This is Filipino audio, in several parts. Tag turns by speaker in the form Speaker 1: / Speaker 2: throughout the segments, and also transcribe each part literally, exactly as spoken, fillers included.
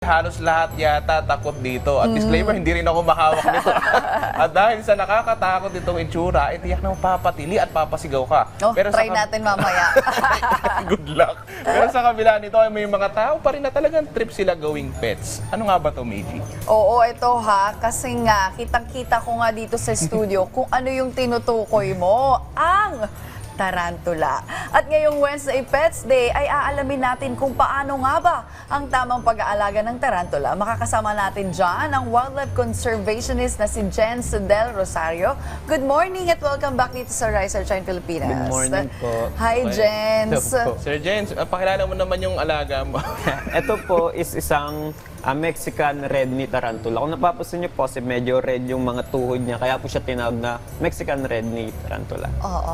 Speaker 1: Halos lahat yata takot dito. At disclaimer, hindi rin ako mahawak nito. At dahil sa nakakatakot itong itsura, eh, tiyak na mapapatili at papasigaw ka.
Speaker 2: Oh,
Speaker 1: Pero
Speaker 2: try
Speaker 1: sa
Speaker 2: natin mamaya.
Speaker 1: Good luck. Pero sa kabila nito, ay may mga tao pa rin na talagang trip sila gawing pets. Ano nga ba to, Meiji?
Speaker 2: Oo, ito ha. Kasi nga, kitang-kita ko nga dito sa studio kung ano yung tinutukoy mo. Ang tarantula. At ngayong Wednesday Pets Day ay aalamin natin kung paano nga ba ang tamang pag-aalaga ng tarantula. Makakasama natin dyan ang wildlife conservationist na si Jens Del Rosario. Good morning at welcome back dito sa Rise or Shine Pilipinas.
Speaker 3: Good morning po.
Speaker 2: Hi,
Speaker 1: Okay.
Speaker 2: Jens.
Speaker 3: Hello po.
Speaker 1: Sir Jens, uh, pakilala mo naman yung alaga mo.
Speaker 3: Ito po is isang ah, Mexican red knee tarantula. Kung napapansin niyo po, kasi medyo red yung mga tuhod niya, kaya po siya tinawag na Mexican red knee tarantula.
Speaker 2: Oo.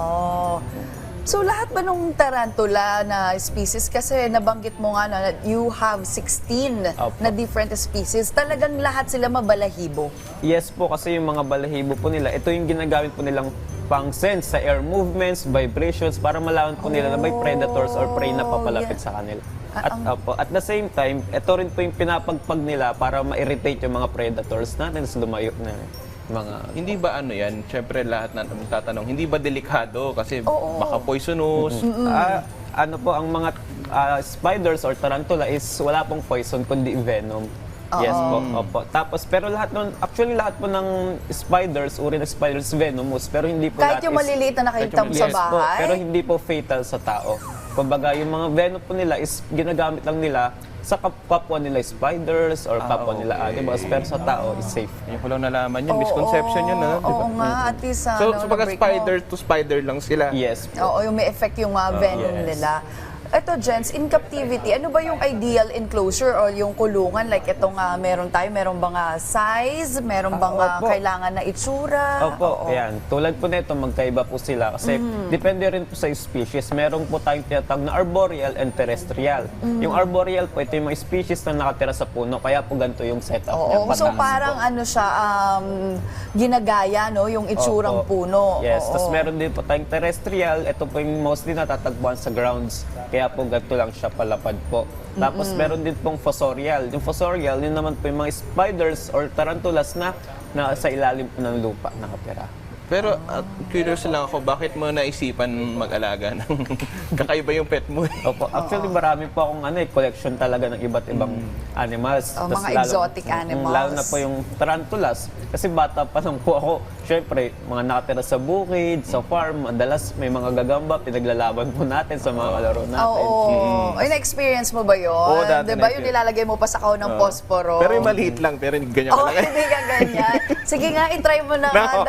Speaker 2: So lahat ba nung tarantula na species, kasi nabanggit mo nga na you have sixteen
Speaker 3: Opo.
Speaker 2: na different species, talagang lahat sila mabalahibo?
Speaker 3: Yes po, kasi yung mga balahibo po nila, ito yung ginagamit po nilang pang sense sa air movements, vibrations, para malaman po nila na may predators or prey na papalapit
Speaker 2: yeah.
Speaker 3: sa kanila.
Speaker 2: Ah,
Speaker 3: At,
Speaker 2: ang-
Speaker 3: opo, at the same time, ito rin po yung pinapagpag nila para ma-irritate yung mga predators natin sa lumayo na mga...
Speaker 1: Hindi ba ano yan? Siyempre lahat na tatanong, hindi ba delikado? Kasi
Speaker 2: Oo.
Speaker 1: baka poisonous.
Speaker 3: Ah, ano po, ang mga ah, spiders or tarantula is wala pong poison kundi venom. Yes po, opo. Tapos, pero lahat nun, actually lahat po ng spiders, uri ng spiders venomous, pero hindi po
Speaker 2: Kahit
Speaker 3: lahat
Speaker 2: yung
Speaker 3: is-
Speaker 2: maliliit na nakita mo sa
Speaker 3: Yes po,
Speaker 2: bahay?
Speaker 3: pero hindi po fatal sa tao. Kumbaga, yung mga venom po nila is ginagamit lang nila sa kap- kapwa nila spiders or kapwa
Speaker 1: Ah,
Speaker 3: nila
Speaker 1: okay.
Speaker 3: animals, pero sa tao is safe.
Speaker 1: Yung ko lang nalaman yun.
Speaker 2: Oo,
Speaker 1: Misconception yun, ano? Di ba?
Speaker 2: Oo nga, at least
Speaker 1: So,
Speaker 2: ano,
Speaker 1: so pagka
Speaker 2: na-break mo.
Speaker 1: spider to spider lang sila.
Speaker 3: Yes po.
Speaker 2: Oo, yung may effect yung uh, venom
Speaker 3: yes.
Speaker 2: nila. Ito, Jens, in captivity, ano ba yung ideal enclosure or yung kulungan? Like itong uh, meron tayo, meron bang uh, size? Meron bang uh,
Speaker 3: opo.
Speaker 2: kailangan na itsura?
Speaker 3: Opo, ayan. Tulad po nito, magkaiba po sila kasi depende rin po sa species. Meron po tayong tinatawag na arboreal and terrestrial. Yung arboreal po, ito yung mga species na nakatira sa puno, kaya po ganito yung setup niya.
Speaker 2: Oo, so
Speaker 3: pataas
Speaker 2: parang
Speaker 3: po.
Speaker 2: ano siya, um, ginagaya, no? Yung itsurang
Speaker 3: Opo.
Speaker 2: puno.
Speaker 3: Yes,
Speaker 2: Oo.
Speaker 3: tapos meron din po tayong terrestrial. Ito po yung mostly natatagpuan sa grounds. Kaya po ganito lang siya palapad po. Tapos meron din pong fossorial. Yung fossorial, yun naman po yung mga spiders or tarantulas na na sa ilalim po ng lupa nakatira.
Speaker 1: Pero uh, curious lang ako, bakit mo naisipan mag-alaga ng kakaiba yung pet mo?
Speaker 3: Opo, actually marami po akong ano, eh, collection talaga ng iba't ibang animals.
Speaker 2: Oh,
Speaker 3: Tas
Speaker 2: mga exotic
Speaker 3: Mm,
Speaker 2: animals.
Speaker 3: Lalo na po yung tarantulas. Kasi bata pa lang po ako. Siyempre, mga nakatira sa bukid, sa farm, madalas may mga gagamba, pinaglalaban po natin sa mga kalaro natin.
Speaker 2: Oo. Ay, na-experience mo ba yun?
Speaker 1: Oo, dati
Speaker 2: diba?
Speaker 1: na-experience.
Speaker 2: Yung nilalagay mo pa sa kahon ng posporo.
Speaker 1: Pero yung maliit lang, pero ganyan
Speaker 2: Oo,
Speaker 1: ka lang.
Speaker 2: hindi ka ganyan. Sige nga, itry mo na nga.
Speaker 1: No.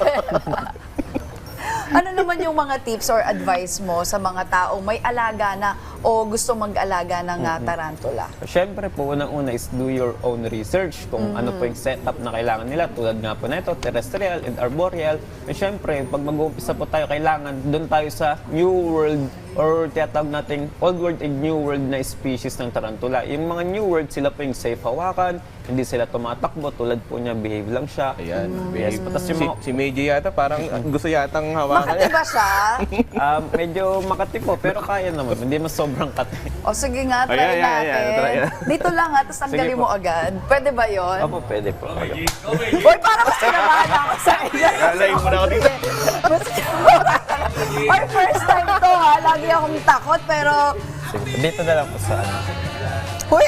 Speaker 2: Ano naman yung mga tips or advice mo sa mga taong may alaga na o gusto mag-alaga ng uh, tarantula?
Speaker 3: Siyempre po, unang-una is do your own research kung ano po yung setup na kailangan nila. Tulad nga po na ito, terrestrial and arboreal. At siyempre, pag mag-uumpisa po tayo, kailangan doon tayo sa new world or tiyatawag nating old world and new world na species ng tarantula. Yung mga new world, sila po yung safe hawakan, hindi sila tumatakbo, tulad po niya, behave lang siya.
Speaker 1: Ayan,
Speaker 3: Yes,
Speaker 1: babe.
Speaker 3: tapos yung
Speaker 1: Si,
Speaker 3: mga-
Speaker 1: si Meiji yata, parang gusto yatang hawakan
Speaker 2: Makati
Speaker 1: niya.
Speaker 2: ba siya?
Speaker 3: Ah, medyo makati po, pero kaya naman. Hindi mas sobrang kati.
Speaker 2: O sige nga, try
Speaker 1: Ayan, ayan,
Speaker 2: natin.
Speaker 1: ayan, try na.
Speaker 2: Dito lang ha, tapos tanggalin
Speaker 3: Sige
Speaker 2: mo
Speaker 3: po.
Speaker 2: agad. Pwede ba yun?
Speaker 3: Opo, pwede po.
Speaker 2: Uy, parang mas kinamahan ako sa inyo.
Speaker 1: Lalayin mo na ako dito.
Speaker 2: Mas Or first time to ha, lagi akong takot, pero...
Speaker 3: Sige po. Dito na lang po sa ano.
Speaker 2: Uy!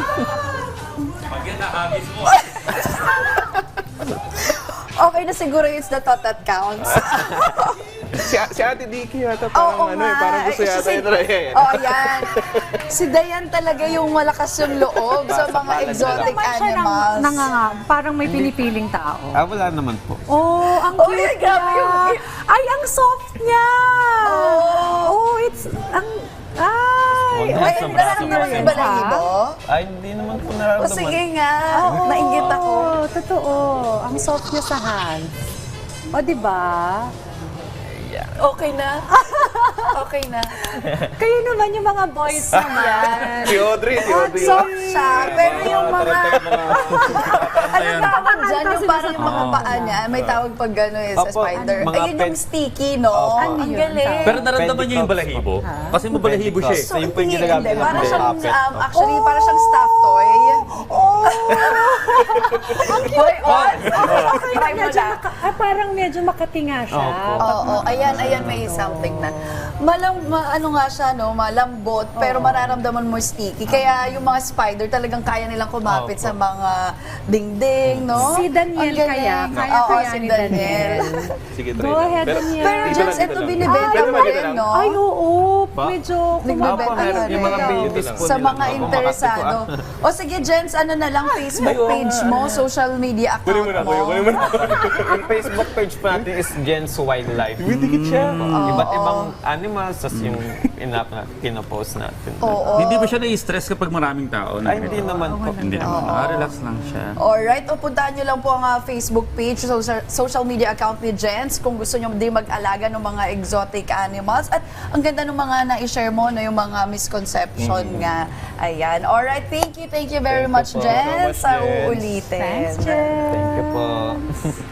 Speaker 2: Okay na siguro it's the thought that counts.
Speaker 1: Si, si Ate Dicky yata, parang
Speaker 2: Oo
Speaker 1: ano eh, parang gusto
Speaker 2: Eh,
Speaker 1: yata
Speaker 2: si-
Speaker 1: yun. Ayan.
Speaker 2: Oo, yan. Si Dayan talaga yung malakas yung loob sa mga
Speaker 3: Basta
Speaker 2: exotic
Speaker 4: Naman siya nang,
Speaker 2: animals.
Speaker 4: nanganga, parang may pinipiling tao.
Speaker 3: Ah, wala naman po.
Speaker 4: Oh, ang
Speaker 2: Oh,
Speaker 4: cute
Speaker 2: ay, grabe
Speaker 4: niya.
Speaker 2: yung-
Speaker 4: Ay, ang soft niya.
Speaker 2: Oh.
Speaker 4: Oh, it's, ang, ay.
Speaker 3: Huwag
Speaker 2: Ay,
Speaker 3: Sa
Speaker 2: nararamdaman
Speaker 3: braso
Speaker 2: mo
Speaker 3: mo
Speaker 2: yung balahibo?
Speaker 3: Ay, hindi naman po
Speaker 2: O
Speaker 3: nararamdaman.
Speaker 2: sige nga,
Speaker 4: Oo,
Speaker 2: nainggit ako.
Speaker 4: Totoo. Ang soft niya sa hands. O, di ba?
Speaker 2: Okay na. Okay na.
Speaker 4: Kayo naman yung mga boys naman.
Speaker 1: Si Audrey, si Audrey.
Speaker 2: Soft siya, pero yung mga... Alam ka naman dyan, yung parang yung mga paa niya, may tawag pag gano'n eh, sa
Speaker 3: Opo,
Speaker 2: spider.
Speaker 3: mga
Speaker 2: Ayun yung
Speaker 3: pet-
Speaker 2: sticky, no?
Speaker 3: Opo.
Speaker 2: Ang
Speaker 4: Ano yun?
Speaker 2: galing.
Speaker 5: Pero naramdaman niyo yung balahibo? Kasi mabalahibo siya eh.
Speaker 3: So, yun po yung
Speaker 2: hindi,
Speaker 3: ginagamit
Speaker 2: hindi.
Speaker 3: ng
Speaker 2: Para siyang,
Speaker 3: puppet.
Speaker 2: um, actually, para siyang stuffed toy. Oh! Hoy, on! Try mo
Speaker 4: Medyo
Speaker 2: na.
Speaker 4: maka, ah, parang medyo makatinga siya.
Speaker 3: Opo.
Speaker 4: Pag-
Speaker 2: Oo, ayan, ayan, may something na. Malam, ma, ano nga siya, no, malambot, pero mararamdaman mo sticky. Kaya yung mga spider talagang kaya nilang kumapit
Speaker 3: Opo.
Speaker 2: sa mga dingding, no?
Speaker 4: Si Daniel
Speaker 2: Ang galing.
Speaker 4: kaya, kaya
Speaker 2: Oo,
Speaker 4: kaya
Speaker 2: si
Speaker 4: ni
Speaker 2: Daniel.
Speaker 1: Sige, try
Speaker 4: Go
Speaker 1: lang.
Speaker 4: ahead,
Speaker 1: Pero-
Speaker 4: Daniel.
Speaker 2: Pero
Speaker 1: Dito
Speaker 2: Jens,
Speaker 1: lang, dito
Speaker 2: ito
Speaker 1: lang.
Speaker 2: binibenta
Speaker 1: Pero
Speaker 2: mo
Speaker 1: dito
Speaker 2: rin,
Speaker 1: lang.
Speaker 2: no?
Speaker 4: Ay, oo.
Speaker 3: Pa?
Speaker 4: Medyo
Speaker 2: Nagbebenta
Speaker 3: Opo,
Speaker 2: ka
Speaker 3: meron
Speaker 2: rin.
Speaker 3: yung mga beauties po
Speaker 2: Sa
Speaker 3: nila.
Speaker 2: mga
Speaker 3: Opo,
Speaker 2: interesado. O sige, Jens, ano na lang, Facebook page mo, social media account
Speaker 1: Kunin mo na,
Speaker 2: mo.
Speaker 1: kunin mo na.
Speaker 3: Yung Facebook page po natin is Jen's Wildlife.
Speaker 1: Dikit siya.
Speaker 3: Iba't ibang animals, tas yung inap na pinopost natin.
Speaker 2: Oo.
Speaker 5: Hindi ba siya na-stress kapag maraming tao? na
Speaker 3: Ay, hindi
Speaker 5: ganito?
Speaker 3: naman po.
Speaker 5: Hindi naman. Ah, relax lang siya.
Speaker 2: Alright, o puntahan nyo lang po ang ah, Facebook page, social, social media account ni Jens kung gusto nyo din mag-alaga ng mga exotic animals. At ang ganda ng mga na-share mo, no, yung mga misconception nga. Ayan. Alright, thank you, thank you very
Speaker 3: Thank you
Speaker 2: much,
Speaker 3: po.
Speaker 2: Jens.
Speaker 1: So much,
Speaker 2: Sa
Speaker 1: Jens.
Speaker 2: uulitin.
Speaker 4: Thanks, Jen.
Speaker 3: Thank you po.